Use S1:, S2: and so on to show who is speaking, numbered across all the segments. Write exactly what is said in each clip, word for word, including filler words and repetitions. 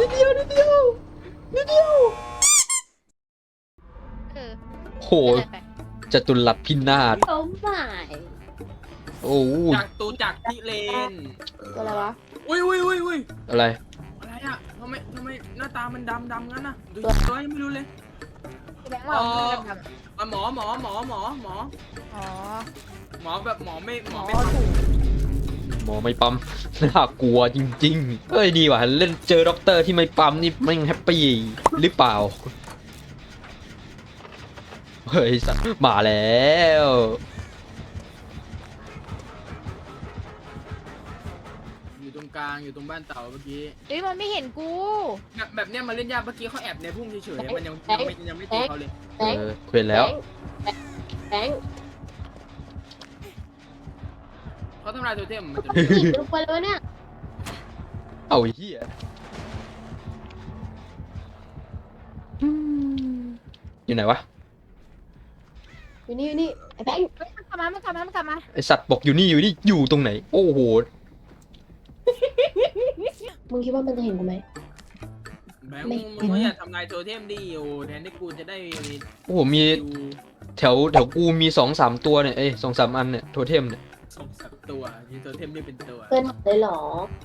S1: นิดเดียวนิดเดียวนิดเดียว
S2: เออ
S1: โห
S2: เป็นไรไป
S1: จตุรัสพินาศ
S3: โอ้ไม่
S1: โอ้ย
S4: จากตูจากที่เลน
S3: ตัวอะไรวะ
S4: อุ้ยอุ้ยอุ้ยอุ้ย
S1: อะไร
S4: อะไรอะทำไมทำไมหน้าตามันดำดำงั้นน่ะดูตัวยังไม่รู้เลย
S2: แบงค์ว่ามันดำๆอะ
S4: อ่ะหมอหมอหมอหมอหมอ
S2: อ๋อ
S4: หมอแบบหมอไม่หมอ
S2: อ๋
S4: ไม่
S2: อ
S4: ท
S2: ถูก
S1: หมอไม่ปั๊มน่ากลัวจริงๆเฮ้ยดีว่ะเล่นเจอด็อกเตอร์ที่ไม่ปั๊มนี่แม่งแฮปปี้หรือเปล่าเฮ้ยสัตว์มาแล้ว
S4: ำอยู่ตรงกลางอยู่ตรงบ้านเต่าเมื่อกี้
S2: เฮ้ยมันไม่เห็นกู
S4: แบบแบบเนี้ยมาเล่นยากเมื่อกี้เขาแอบในพุ่มเฉยๆมันยังยังไม่ยังไม่ตีเขาเลย
S3: แบง
S1: เอ
S3: ค์
S1: อเควนแล้ว
S3: แบงค์
S4: เขาทำลายตัวเทมมันจะ
S3: หยิบลงไปเลยวะเนี่ย
S1: เอาไอ้เหี้ยอยู่ไหนวะ
S3: อยู่นี่อยู่นี่ไอ้แบงค์
S2: เฮ้ยมันกลับมามันกลับมามันกลับมา
S1: ไอสัตว์บอกอยู่นี่อยู่นี่อยู่ตรงไหน โอ้โห
S3: มึงคิดว่ามันจะเห็นกูไหม
S4: แบงค์มึงมึงก็อย่าทำลายตัวเทมดิโอแทนที่กูจะได้
S1: โอ้โหมี
S4: ดู
S1: แถวแถวกูมีสองสามตัวเนี่ยเอ้ยสองสามอันเนี่ยโทเทมเนี่ย
S4: ส่งสับตัวมีตัวเทมนี่เป็นตัว
S3: เพื่อนหายเลยเหรอ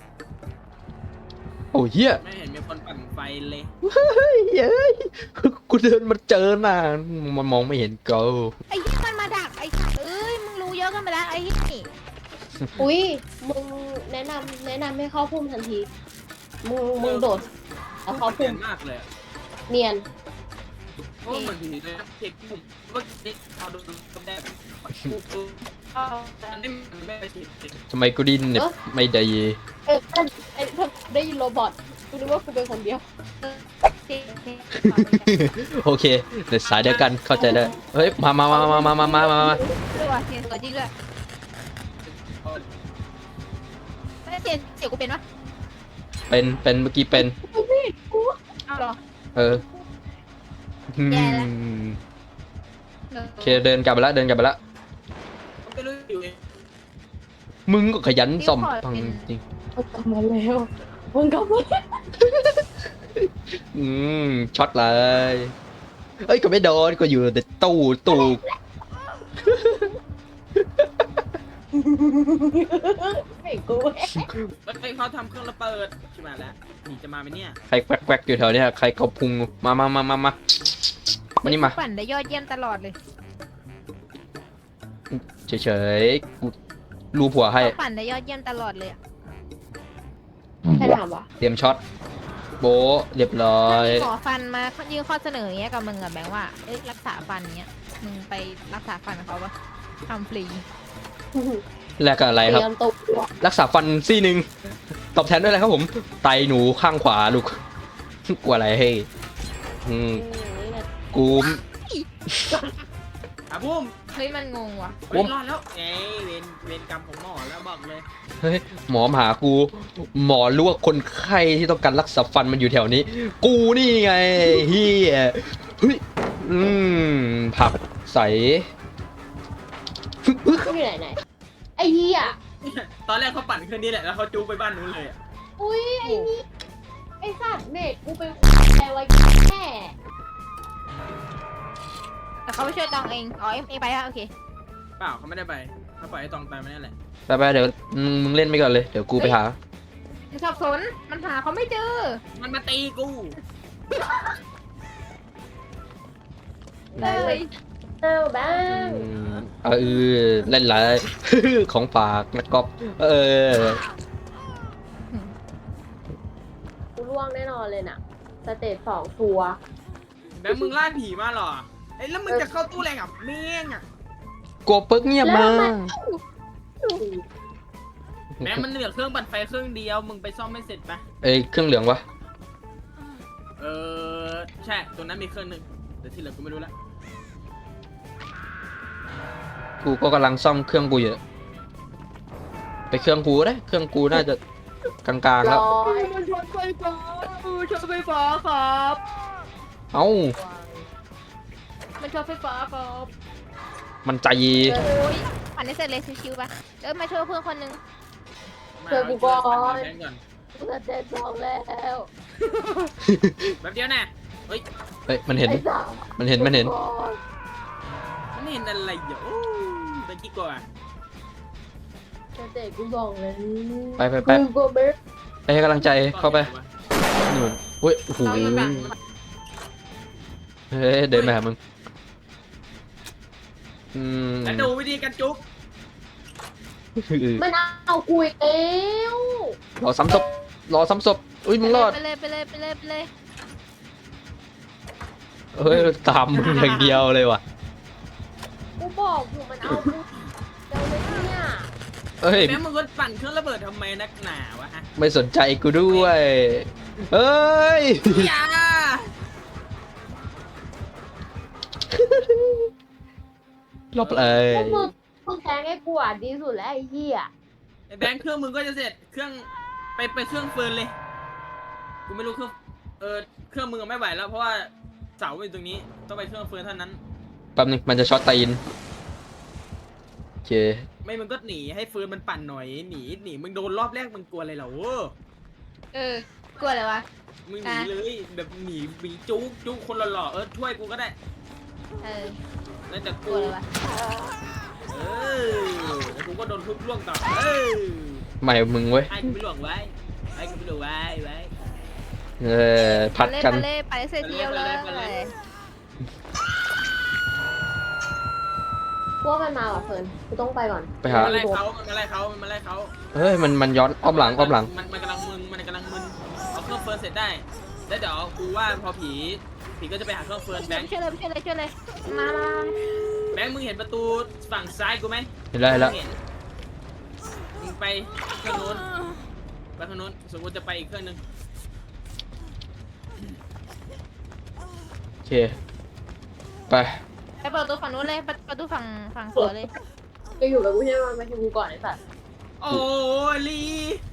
S1: โอ้เหี้ย
S4: ไม่เห็นมีคนปั่นไฟเลย
S1: เฮ้ยเฮ้ยกูเดินมาเจอหน้ามันมองไม่เห็นกู
S2: ไอ้ยี่มันมาดักไอ้สัตว์เอ้ยมึงรู้เยอะกันไปแล้วไอ้ยี่นี่
S3: อุ้ยมึงแนะนำแนะนำให้เข้าพุ่มทันทีมึงมึงโดดแล้วเข้า
S4: เปลี่
S3: พุ่
S4: ย
S3: ม
S4: นมากเลยอะ
S3: เนียน
S4: เพราะว่าเหมือนผีเลยนะเด็กผมเมื่อกี้เขาดูก็ได้อันนี้มันไม่ได้ฉีด
S1: ทำไมกูดินเนี่ยไม่ได้
S3: เออไอ้ไอ้ได้ยินโรบอทกูนึกว่ากูเป็นคนเดียว
S2: เออเจ๊เจ๊
S1: โอเคในสายเดียวกันเข้าใจได้เฮ้ยมามามามามามามามามา
S2: ด้วยว่ะเสียงสวยจริงด้วยเฮ้ยเสียงเสียงกูเป็นปะ
S1: เป็นเป็นเมื่อกี้เป็น
S2: เอาเหรอ
S1: เอออืม
S2: แย่ละ
S1: โอเคเดินกลับไปละเดินกลับไปละ
S4: มันก็รู้อยู่เอง
S1: มึงก็ขยันซ่อมพังจริง
S3: มึงกลับมาแล้วมึงกลับมา
S1: อืมช็อตเลยเอ้ยก็ไม่โดนก็อยู่แต่ตู้ตู้
S3: ไม่กู
S4: แล้วไอ้เขาทำเครื่องระเบิดใช่ไหมแล้วหนีจะมาไหมเนี่ย
S1: ใครแกวกๆอยู่แถวเนี้ยใครเขาพุงมามามามามามานี่มา
S2: ปั่นได้ยอดเยี่ยมตลอดเลย
S1: เฉยๆกูรูผัวให้
S2: เขาปั่นได้ยอดเยี่ยมตลอดเลยอะ
S3: ใครถามวะ
S1: เตรียมช็อตโบะเรียบร้อ
S2: ถ้าย มีหมอฟันมายื่นข้อเสนออย่างเงี้ยกับมึงอะแบงค์ว่าเอ้ยรักษาฟันเงี้ยมึงไปรักษาฟันกับเขาปะทำฟรี
S1: แลกกับอะไรครับ
S3: เตรียมตัว
S1: รักษาฟันซี่หนึ่งตอบแทนด้วยอะไรครับผม ไตหนูข้างขวาลูก กลัวอะไรเฮ้ยอืมกู
S4: อ่ะบุ้ม
S2: เฮ้ยมันงงว่ะ
S4: เฮ้ยรอดแล้วเอ้ยเวรเวรกรรมของหมอแล้วบอกเลย
S1: เฮ้ยหมอมาหากู หมอรู้ว่าคนไข้ที่ต้องการรักษาฟันมันอยู่แถวนี้ กูนี่ไงเฮียเฮ้ยอืมผักใส
S3: อยู่ไหนไหนไอ้เหี้ย
S4: ตอนแรกเขาปั่นเครื่องนี้แหละแล้วเขาจูงไปบ้านนู้นเลยอะ
S3: อุ้ยไอ้นี่ไอ้สัตว์เด็กกูเป็นอะไรไว้แม่
S2: แต่เขาไปช่วยตองเองอ๋อเอ็มเองไปอะโอเค
S4: เปล่าเขาไม่ได้ไปเขาปล่อยให้ตองตายมานั่นแหละ
S1: ไปไปๆเดี๋ยวมึงมึงเล่นไปก่อนเลย เดี๋ยวกูไปหา
S2: มันสับสนมันหาเขาไม่เจอ
S4: มันมาตีกู
S3: เลย เอ้าบ้าง
S1: อืมเออเล่นไร ของฝากนะก๊อฟเออ
S3: กูร่วงแน่นอนเลยน่ะสเตจสองทัวร์
S4: แบงค์มึงล่าผีมาเหรอเอ้ยแล้วมึงจะเข้าตู้แรงกับเมี่ยงอ่ะ
S1: กลัวปึ๊กเงียบมา
S4: แบงค์มันเหลือเครื่องปั่นไฟเครื่องเดียวมึงไปซ่อมไม่เสร็จปะ
S1: เอ้ยเครื่องเหลืองวะ
S4: เออใช่ตัวนั้นมีเครื่องหนึ่งแต่ที่เหลือกูไม่รู้ละ
S1: กูก็กำลังซ่อมเครื่องกูอยู่ไปเครื่องกูก็ได้เครื่องกูน่าจะกลางๆแล้ว
S3: ร้อย
S4: มันช็อตไฟฟ้าช็อตไฟฟ้าครับ
S1: เอ้า
S2: มันชอบไฟฟ้าครับ
S1: มันใจ
S2: โอ้ยปั่นได้เสร็จเลยชิวๆปะเออมาช่วยเพื่อนคนนึง
S3: เจอกูก่อน
S4: แบงค์ก่อน
S3: สเตจสองแล้ว
S4: แบบเดียวน่ะเฮ้ย
S1: เฮ้ยมันเห็น
S3: ไอ้สาว
S1: มันเห็นมันเห็น
S4: มันเห็นอะไรอยู่โอ้ยตะกี้ก่อน
S3: เตะกูบอกเลย
S1: ไปไปไป
S3: กูก็ไม่
S1: ไปให้กำลังใจเข้าไปนู่นเฮ้ยโอ้โห
S2: เราอยู่ฝั่ง
S1: เฮ้ยเดินมาหามึงอืม
S4: แล้วดูวิธีการจุ๊บ
S3: มันเอากูอีกแล้ว
S1: รอซ้ำศพรอซ้ำศพอุ้ยมึงรอด
S2: ไปเลยไปเลยไปเลยไปเลย
S1: เฮ้ยตามมึงอย่างเดียวเลยว่ะ
S3: กูบอกอยู่มันเอากูเดี๋ยวเลยเนี่ย
S1: เฮ้ย
S4: แม่มึงก็ปั่นเครื่องระเบิดทำไมนักหนาวะฮะ
S1: ไม่สนใจกูด้วยเฮ้ย
S4: อย่า
S1: รอบเลย
S3: พวกมึงมึงแทงให้กูอ่ะดีสุดแล้วไอ้เหี้ย
S4: ไอ้แบงค์เครื่องมึงก็จะเสร็จเครื่องไปไปเครื่องเฟิร์นเลยกูไม่รู้เครื่องเออเครื่องมึงอะไม่ไหวแล้วเพราะว่าเสาอยู่ตรงนี้ต้องไปเครื่องเฟิร์นเท่านั้น
S1: แป๊บนึงมันจะช็อตตีนโอเค
S4: ไม่มึงก็หนีให้เฟิร์นมันปั่นหน่อยหนีหนีมึงโดนรอบแรกมึงกลัวอะไรเหรอ
S2: เออกลัวอะไรวะ
S4: มึงหนีเลยแบบหนีหนีจุ๊กจุ๊กคนหล่อๆเออช่วยกูก็ได้
S2: เออ
S4: แล้วแต่
S2: กลั
S4: กู
S2: วอะไรวะ
S4: เออแล้วกูก็โดนทุบล่วงต่อเออ
S1: ใหม่มึงเว้ย
S4: ไอ้กูไม่ล่วงไว้ไอ้กูไม่ล่วงไว้ไว้
S1: เออพัดกัน
S2: ไปเลยไปเลยไปเสียเที่ยวเลย
S4: ไปเลย
S3: พวกมันมาว่ะเฟิร์นกูต้องไปก่อน
S1: ไปหา
S4: มันไล่เขามันไล่เขามันไล่เขา
S1: เฮ้ยมันมันย้อนอ้อมหลังอ้อมหลัง
S4: มันมันกำลังมึนมันกำลังมึนเอาเครื่องเฟิร์นเสร็จได้แล้วเดี๋ยวกูว่าพอผีผีก็จะไปหาเครื่องเฟิร์นแบงค์
S2: ช่วยเลยช่วยเลยช่วยเลยมามา
S4: แบงค์มึงเห็นประตูฝั่งซ้ายกูไหม
S1: เห็นแล้วเห็นแล้ว
S4: มึงเห็นมึงไปเครื่องนู้นไปเครื่องนู้นสมมติจะไปอีกเครื่องนึง
S1: โอเคไป
S2: ไปเปิดประตูฝั่งนู้นเลยประตูฝั่งฝั่งสวนเลย
S3: จะอยู่กับกูใช่ไหมมาชิมกูก่อนไอ้สัตว์
S4: โอ้ลี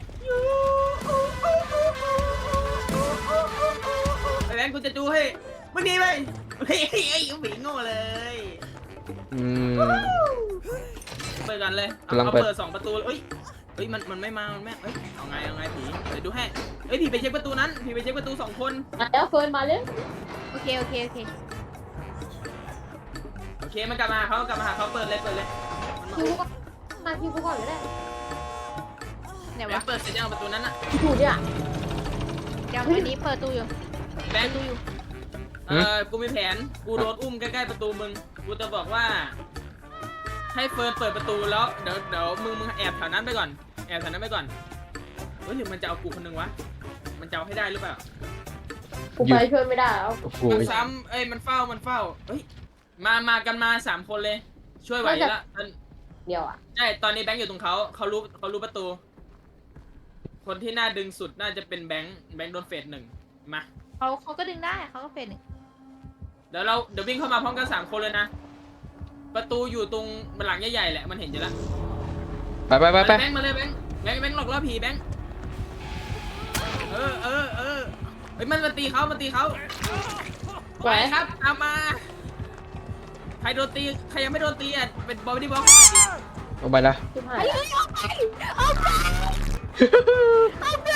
S4: ไอ้แบงค์กูจะดูให้มึงดีไหมเฮ้ยไอ้หมีโง่เลย
S1: อืม
S4: เปิดกันเลยเอา
S1: กำลัง
S4: เอา
S1: เปิด
S4: เปิดสองประตูเอ้ยเอ้ยมันมันไม่มามันไม่เอ้ยเอาไงเอาไงผีเดี๋ยวดูให้เอ้ยผีไปเช็คประตูนั้นผีไปเช็คประตูสองคน
S3: มาแล้วเฟิร์นมาเลย
S2: โอเคโอเคโอเค
S4: โอเคมันกลับมาหาเขากลับมาหาเขาเปิดเลยเปิดเลยมันมา
S3: คิวกูก่อนมาคิวกูก่อนก็ได้
S2: เนี่ยว
S4: แบง
S2: วะ
S4: ค์เปิดเสร็จยังประตูนั้นอะ
S3: อยู่เนี่ย
S2: ยังวันนี้เปิดตู้อยู่
S4: แบงค์ดูอยู่เออกูมีแผนกูโดนอุ้มใกล้ๆประตูมึงกูจะบอกว่า ให้เฟิร์นเปิดประตูแล้วเดี๋ยวเดี๋ยวมึงมึงแอบแถวนั้นไปก่อนแอบแถวนั้นไปก่อนเฮ้ยหรือมันจะเอากูคนหนึงวะมันจะเอาให้ได้หรือเปล่า
S3: กูไปช่วยไม่ได้แล้ว
S1: โอ้โห
S4: มันซ้ำเอ้ยมันเฝ้ามันเฝ้าเฮ้ยมามากันมาสามคนเลย ช่วยไหวละอัน
S3: เดียวอ่ะ
S4: ใช่ตอนนี้แบงค์อยู่ตรงเขาเขารู้เขารู้ประตู คนที่น่าดึงสุดน่าจะเป็นแบงค์แบงค์โดนเฟสหนึ่งมา
S2: เขาเขาก็ดึงได้เขาก็เป็นหนึ่ง
S4: เดี๋ยวเราเดี๋ยววิ่งเข้ามาพร้อมกันสามคนเลยนะประตูอยู่ตรงหลังใหญ่ๆแหละมันเห็นอยู่แล้ว
S1: ไปไปไปไป
S4: แบงค์มาเลยแบงค์แบงค์แบงค์หลอกล่อผีแบงค์เออเออเออเฮ้ยมันมาตีเขามาตีเขาไปครับตามมาใครโดนตีใครยังไม่โดนตีอ่ะเป็นบอดี้บล็อก
S1: เอาไปละ
S3: ชิบหาย
S2: เฮ้ยเอาไปเอาไปเอาไป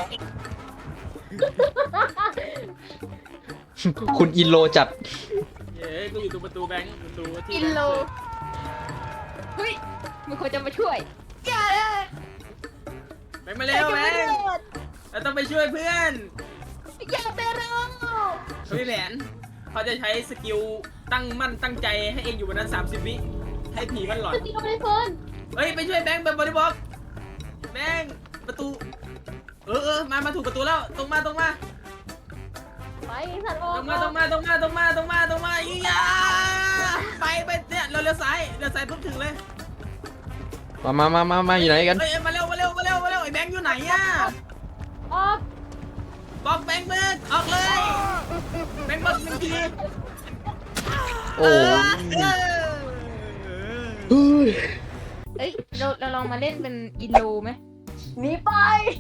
S1: คุณอินโลจัด
S4: เย้กูอยู่ตรงประตูแบงค์ประตูที่
S2: กินโลเฮ้ยมีคนจะมาช่วยอย่าเลย
S4: แบงค์มาเร็วแบงค์เราต้องไปช่วยเพื่อน
S2: อย่าไปรอ
S4: เขามีแผนเขาจะใช้สกิลตั้งมั่นตั้งใจให้เองอยู่บนนั้นสามสิบวิให้ผีมันหลอน
S3: จะตีเราไม่ได้เฟิร์น
S4: เฮ้ยไปช่วยแบงค์แบบบอดี้บล็อกแบงค์ประตูเออเออมามาถูกประตูแล้วตรงมาตรงมา
S3: ไปไอ้สัตว์ออ
S4: ตร
S3: ก
S4: งมาตรงมาตรงมาตรงมาตรงมาตรงมาอียาไปไปเนี่ยเราเลี้ยวซ้ายเลี้ยวซ้ายปุ๊บถึงเลย
S1: มามามามามาอยู่ไหนกัน
S4: เฮ้ยมาเร็วมาเร็วมาเร็วมาเร็วไอ้แบงค์อยู่ไหนอ่ะ
S3: ออก
S4: บอกแบงค์เบิร์ดออกเลยแบงค์เบิร์ดหนึ่งที
S1: โอ้
S4: เออเออ
S1: เฮ้ย
S2: เอ้ยเราเราลองมาเล่นเป็นอินโลไหม
S3: หนีไป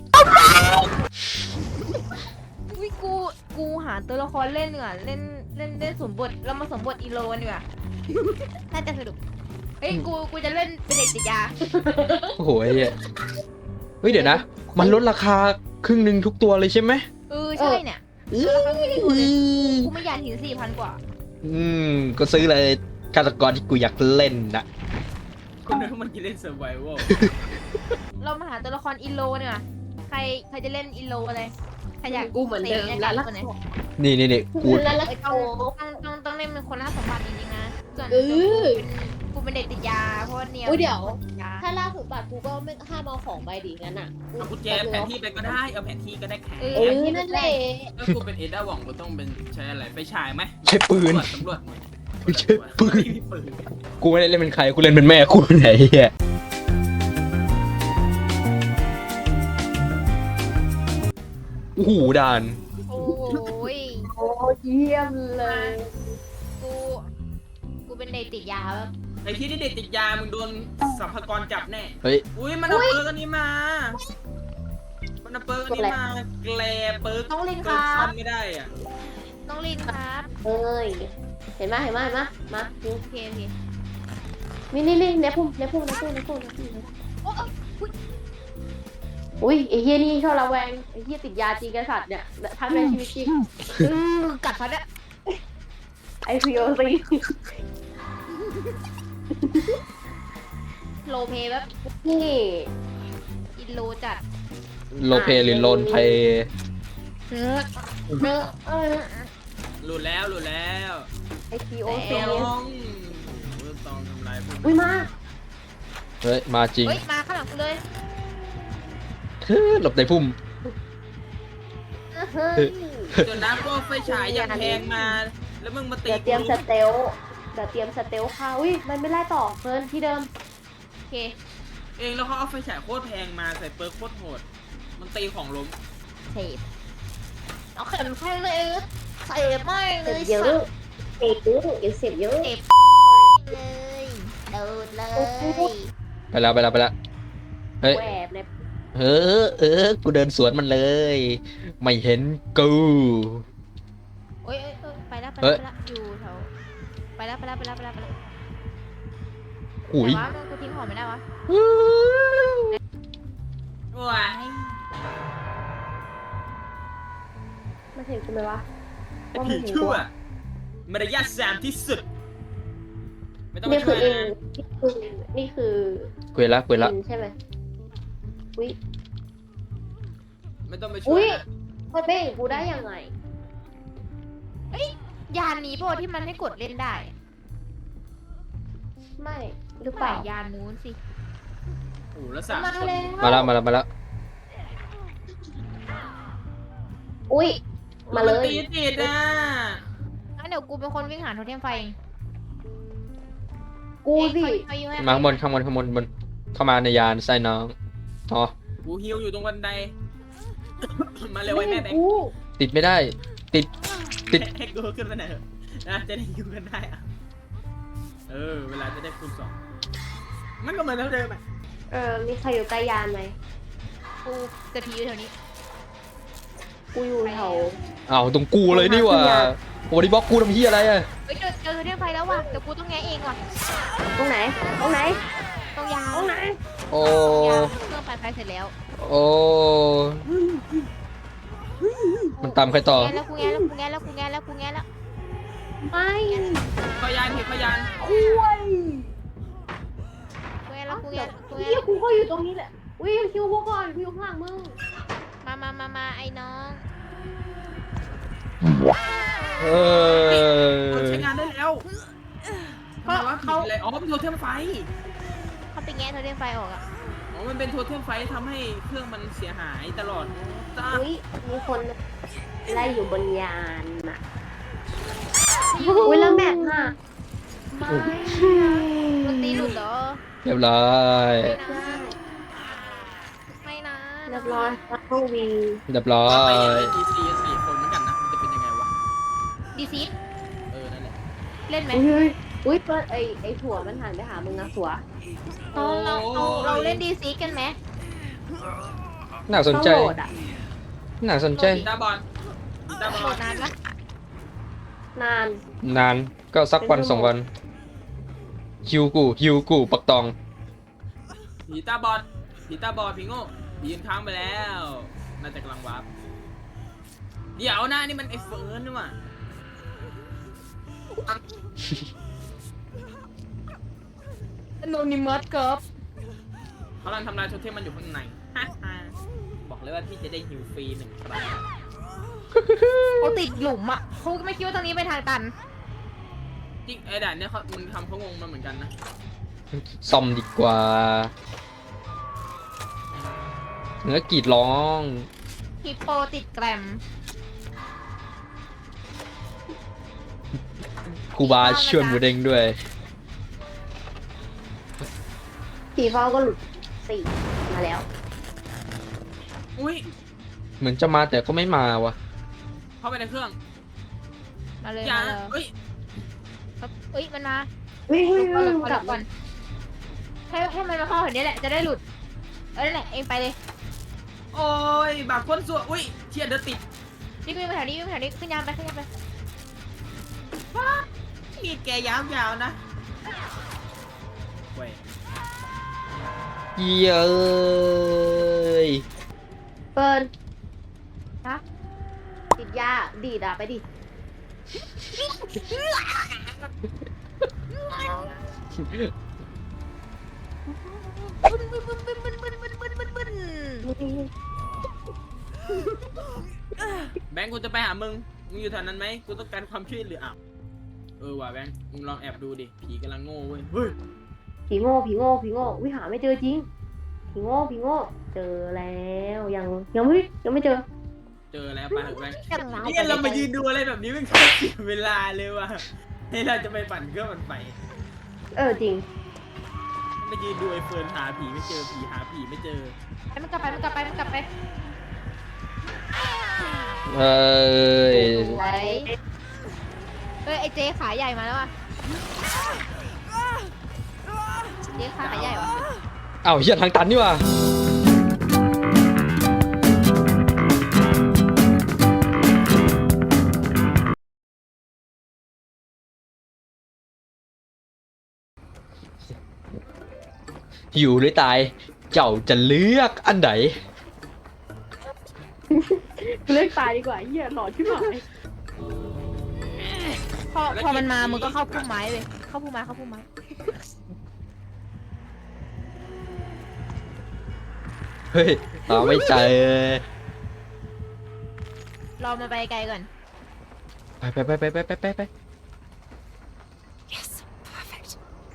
S2: วิกูกูหาตัวละครเล่นดีกว่าเล่นเล่นเล่นสมบทเรามาสมบทอีโลกันดีกว่า น่าจะสนุกเฮ้ยกูกูจะเล่นเป็นเด็กติดยา
S1: โอ้โหไอ้เหี้ยเฮ้ยเดี๋ยวนะ มันลดราคาครึ่งหนึ่งทุกตัวเลยใช่ไหม
S2: เออใช่เนี่ย
S1: อื้อ
S2: กูไม่อยากถึงสี่พันกว่า
S1: อืมก็ซื้อเลยฆาตกรที่กูอยากเล่นนะ
S4: คนนึกว่ามันจะเล่นเซอร์ไวโว
S2: เรามาหาตัวละครอิโลเนี่ยว่ะใครใครจะเล่นอิโลอะไรใครอยาก
S3: กูเหมือนเดิม
S2: ตะ
S3: แล้ว
S2: กั
S3: ละ
S2: นคนไหน
S1: นี่นี่นี่กู
S3: แล้วละ
S2: ไอ้
S3: โอ้
S2: ต้องต้องต้องต้องเล่นเป็นคนล่าสมบัติจริงๆนะส่วน
S3: เออ
S2: กูเป็นเด็กติดยาเพราะว่าเนี่ย
S3: อุ๊ยเดี๋ยว
S2: ติยา
S3: ถ้าล่าสุดบัตรกูก็ไม่ห้ามเอาของไปดีงั้นอ่ะ
S4: เอากุญแจแผนที่ไปก็ได้เอาแผนที่ก็ได้แค่
S2: เอ
S3: เอ
S2: อ
S3: อนั่นแหละ
S4: ถ้ากูเป็นเอด้าหว่องกูต้องเป็นใช้อะไรไปฉายไหม
S1: ใช้ปืน
S4: ตำรวจ
S1: ใช้ปืน
S4: ไม่มีปืน
S1: กูไม่ได้เล่นเป็นใครกูเล่นเป็นแม่กูไหนเฮียโอ้โหด่าน
S2: โอ้ย
S3: โอ้เยี่ยมเลย
S2: กูกูเป็นเด็กติดยาแบบ
S4: ไอ้ที่นี่เด็กติดยามึงโดนสัมภากรจับแน่
S1: เฮ้ย
S4: อุ้ยมันเอาเปิร์กอันนี้มา มันเอาเปิร์กอันนี้มาแกลเปิร์ก
S2: ต้องเล่นค
S4: เปิร์
S2: รั
S4: กซ่
S2: บ
S4: อมไม่ได้อ่ะ
S2: ต้องเล่นครับ
S3: เอ้ยเห็นไหมเห็นไหมเห็นไหมมาดู
S2: โอเคโอเค
S3: นี่นี่นี่เนพุ่มเนพุ่มเนพุ่มเนพุ่มเนพุ่ม
S2: โอ้อุ๊ย
S3: อุ้ยไอ้เฮียนี่ชอบระแวงไอ้เฮียติดยาจริงกษัตริย์เนี่ยทั้งในชีวิตจริง
S2: อืมกัดฟันเนี่ย
S3: ไอพีโอซี
S2: โลเพแบบ
S3: นี่
S2: อิโลจัด
S1: โลเพหรือโลนเพย์
S2: เนื้อเนื้อเออ
S4: หลุดแล้วหลุดแล้ว
S3: ไอพีโอ
S4: ต
S3: ซี
S4: องต้องทำลายพวก
S3: อุ้ยมา
S1: เฮ้ยมาจริง
S2: เฮ้ยมาข้างหลังกูเลย
S1: เฮ้ยหลบในพุ่ม
S3: เฮ้ย
S4: จนน้ำก็ไฟฉายอย่างแพงมา แล้วมึงมาตี
S3: เดี๋ยวเตรียมสเตลเดี๋ยวเตรียมสเตลค่ะอุ้ยมันไม่ไล่ต่อเฟิร์นที่เดิม
S2: โอเค
S4: เองแล้วเขาเอาไฟฉายโคตรแพงมาใส่เปิร์กโคตรโหด มันตีของล้ม
S2: เสพเอาเข็มให้เลยเสพไม่เล
S3: เสีย
S2: ย
S3: บเยอะเสียบเยอะเดี๋ยวเสียบเยอะ
S2: เสพเลยโดดเลย
S1: ไปแล้วไปแล้วไปแล้วเฮ้ย
S3: แหวบเนี่ย
S1: เออเออกูเดินสวนมันเลย ไม่เห็นกู
S2: โอ้ยเอ้ยเอ้ยไปแล้วไป
S1: เฮ้
S2: แล้ว
S1: ย
S2: ไปแล้วอยู่แถวไปแล้วไปแล้วไปแล้วไปแล้วไปแล้ว
S1: หุย
S2: แต่ว่ามันกูทิ้งของไม่ได้วะ
S4: ว้าย
S3: มาเห็นกูไหมวะ
S4: ไอ้ผีชั่วมารยาทสามที่สุด ไม่ต้อง
S3: นี่
S4: มา
S3: คื
S4: ช่
S3: อ
S4: วย
S3: เอง
S4: นะ
S3: นี่คือนี่คือ
S1: เกวยละเกวยละ
S3: อินใช่ไหมอุ้ย
S4: ไม่ต้องไปช่
S3: อุ้
S4: วย
S3: ย
S4: นะ
S3: มันเป็นอย่างกูได้ยังไง
S2: ยานนี้ป่ะที่มันให้กดเล่นได้
S3: ไม่หรือเป
S2: ป่า
S3: ล่าย
S2: านนู้นสิ
S4: โอ้โหแล้วสาม
S3: มา
S4: คน
S3: แล้ว
S1: มาแล้วมาแล้วมาแล้ว
S3: อุ้ยมาเลย
S4: นตีติดอ่ะ
S2: งั้นเดี๋ยวกูเป็นคนวิ่งหาโทเทมไฟเอง
S3: กูสิ
S2: เอ้ยขอขออยู่ให้
S1: มาข้างบนข้างบนข้างบนบนเข้ามาในยานใส่น้องอ๋อ
S4: กูฮิวอยู่ตรงบันได มาเร็วไอ้แม่แบง
S3: กู
S4: ค์
S1: ติดไม่ได้ ติด ติด
S4: ให้กูขึ้นมาหน่อยเถอะนะจะได้ฮิวกันได้อะเออ เวลาจะได้คูณสองมันก็เหมือนเท่าเดิมอ่ะ
S3: เออมีใครอยู่ใกล้ยานไหม
S2: กูจะพีอยู่แถวนี้
S3: กูอยู่แถว
S1: อ้าวตรงกูเลยนี่หว่าโอ้ดิบล็อกกูทำเฮียอะไรอะ
S2: เฮ้ยเจอเจอโทเทมไฟแล้วว่ะเดี๋ยวกูต้องแงะเองว่ะ
S3: ตรงไหนตรงไหน
S2: ต้องยาว
S3: ตรงไหน
S1: โอ้
S2: ยาวเครื่องปั่นไฟเสร็จแล้ว
S1: โอ้มันตามใครต่อ
S2: แงะแล้วกูแงะแล้วกูแงะแล้วกูแงะแล้วกูแงะแล้ว
S3: ไม่
S4: พยานเห็นพยาน
S3: คุย
S2: กูแงะแล้วกูแงะกูแงะ
S3: เฮียกูก็อยู่ตรงนี้แหละอุ้ยคิวพวกก่อนกูอยู่ข้างหลังมึง
S2: มามามามาไอ้น้อง
S1: เอ
S4: มัน
S1: อ
S4: ใช้งานได้แล้วทำไมวะผิดอะไรอ๋อเป็นโทเทมไฟ
S2: เขาไปแงะโทเทมไฟออกอะ
S4: อ๋อ มันเป็นโทเทมไฟทำให้เครื่องมันเสียหายตลอดจ้า
S3: อุ้ยมีคนไล่อยู่บนยานอ่ะอุ้ยแล้วแมปน่ะไม่
S2: มันตีหลุดเหรอ
S1: เรียบร้อย
S2: ไม่นะ
S3: เรียบร้อยแล้วก็วี
S1: เรียบร้อ
S4: ไป
S1: ย
S4: ดีซีสี่คนเหมือนกันนะ มันจะเป็นยังไงวะ
S2: ดีซี
S4: เออ นั่นแหละ
S2: เล่นไหม
S3: อุ้ยอุ้ยเปิดไอไอถั่วมันหันไปหามึงนะถั่ว
S2: เราเราเราเราเล่นดีซีกันไหม
S1: น่าสนใจ
S3: ต้องโหลดอ่ะ
S1: น่าสนใจ
S4: กีตาร์บอลกีตาร์บ
S2: โหล
S4: อล
S2: ดนานปะ
S3: นาน
S1: นานก็สักวันสองวันฮิวกูฮิวกูปักตอง
S4: ผีตาบอลผีตาบอลผีโง่ผียืนค้างไปแล้ว น่าจะกำลังวาร์ปเดี๋ยวนะนี่มันไอ้เฟิร์นนี่หว่า
S2: โนนิมัสครับ
S4: เขากำลังทำลายโทเทมมันอยู่ข้างใน บอกเลยว่าพี่จะได้ฮิวฟรีหนึ่งครั้ง
S2: เขาติดหลุมอ่ะเขาไม่คิดว่าตรงนี้เป็นทางตัน
S4: จริงไอ้ด่านเนี่ยเขามึงทำเขางงมาเหมือนกันนะ
S1: ซ่อมดีกว่าเนื้อกรีดร้อง
S2: ฮิปโปติดแกรม
S1: ครูบาช่วยหมูเด้งด้วย
S3: ผีเฝ้าก็หลุดสี่มาแล้ว
S4: อุ้ย
S1: เหมือนจะมาแต่ก็ไม่มาวะ
S4: เข้าไปในเครื่อง
S2: มาเลย
S4: อย่า
S2: มาเลย
S4: เอ้ย
S2: ครับเอ้ยมันมา
S3: เฮ้ย
S2: ห
S3: เฮ้ย
S2: ลุด
S3: เฮ้
S2: ก่อนหลุดก่อนห
S3: ยกลั
S2: ลุ
S3: บ
S2: ดก่อนให้ให้มันมาเข้าแถวนี้แหละจะได้หลุดเออนั่นแหละเองไปเลย
S4: โอ้ยบากคนสัวอุ้ยเทียนเดือดติด
S2: นี่วิ่งมาแถวนี้วิ่งมาแถวนี้ขึ้นยามไปขึ้นยามไป
S4: มีดแกยาวๆนะเว้ย
S1: เย้ย
S3: เปิร์น
S2: ฮะ
S3: ติดยาดีดอ่ะไปดิ
S2: บึ้นบึ้นบึ้นบึ้นบึ้นบึ้นบึ้นบึ้นบึ้นบึ้น
S4: แบงค์กูจะไปหามึง มึงอยู่แถวนั้นไหมกูต้องการความช่วยเหลืออ่ะเออว่ะแบงค์มึงลองแอบดูดิ ผีกำลังโง่เว้ย เฮ้ย
S3: ผีโง่ผีโง่ผีโง่วิหาไม่เจอจริงผีโง่ผีโง่เจอแล้วยังยังไม่ยังไม่เจอ
S4: เจอแล้วไปเถอะแบงค์
S2: จังหวะ
S4: นี่เรามายืนดูอะไรแบบนี้มันก็เสียเวลาเลยว่ะให้เราจะไปปั่นเครื่องมันไป
S3: เออจริง
S4: มายืนดูไอ้เฟิร์นหาผีไม่เจอ ผีหาผีไม่เจอ
S2: ไปมันกลับไปมันกลับไปมันกลับไป
S1: เอ้ย
S3: ไว้
S2: เอ้ยไอเจ๊ขาใหญ่มาแล้วอ่ะเจ๊ขาใหญ่วะ
S1: เอ้าเหี้ยทางตันนี่ว่ะอยู่หรือตาย เจ้าจะเลือกอันไหน
S3: เลิกตายดีกว่าเหี้ยหลอดขึ้นมา
S2: พอพอมันมามึงก็เข้าพุ่มไม้เลยเข้าพุ่มไม้เข้าพุ่มไม้
S1: เฮ้ยตาไม่ใจ
S2: รอมาไปไกลก่อน
S1: ไปไปไปไปไปไปไปไป
S2: yes perfect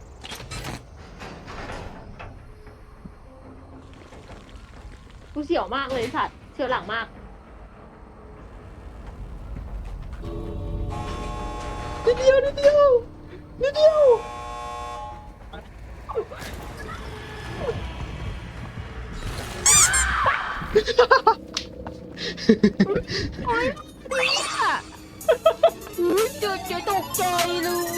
S3: กูเสียวมากเลยสัตว์เสียวหลังมาก
S1: นิดเดียวนิดเดียวนิดเดียว
S2: โอ๊ยดีอ่ะอุ๊ยเจอเจอตกใจเลย